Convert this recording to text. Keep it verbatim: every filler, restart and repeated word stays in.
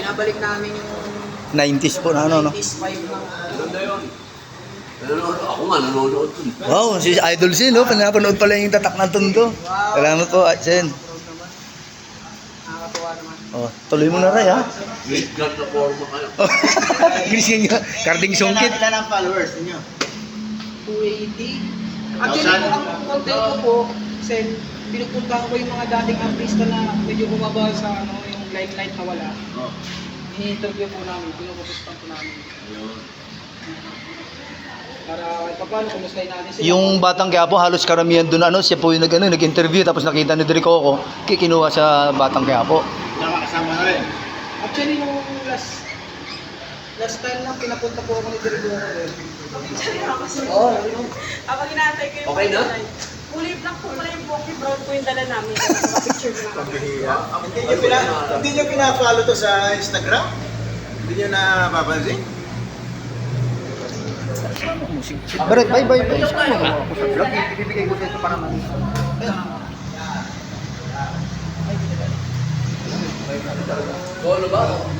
binabalik namin yung nineties po na ano, no? nineties five ng... Ganda yun. Nanonood ako nga, nanonood dun. Wow, si Idol Sin, no? Pinapanood pala yung tatak ng Tondo. Salamat po, Sen. Nakakatuwa naman. Oh, tuloy mo na rin, ha? Great God na forma kayo. Ginising nyo, karding sungkit. Ilan ang followers ninyo? two eighty. Actually po, ang content ko po, Sen, pinupuntahan ko yung mga dating artista na medyo bumaba sa ano, yung limelight na wala. Oh. Ini-interview po namin, pinupupustahan po namin. Ayun. Para paano kumustahin natin sila. Yung batang Quiapo, halos karamihan doon, ano, siya po yung nag, ano, nag-interview, tapos nakita ni Drico ko, kikinuha sa batang Quiapo. Kasama, kasama na rin. Actually, nung last last time na pinapunta po ako ni Dirigoro eh. Oo. Ako ginatay ko yung Okay na? Kulay black po pala yung Pocky Brown po yung dala namin. Picture ko na kami. Hindi nyo, pina, hindi nyo pina-follow to sa Instagram? Hindi nyo napapansin? Pero, bye, bye, bye. Saan mo ako sa vlog? Ibibigay ko dito para man. Solo ba?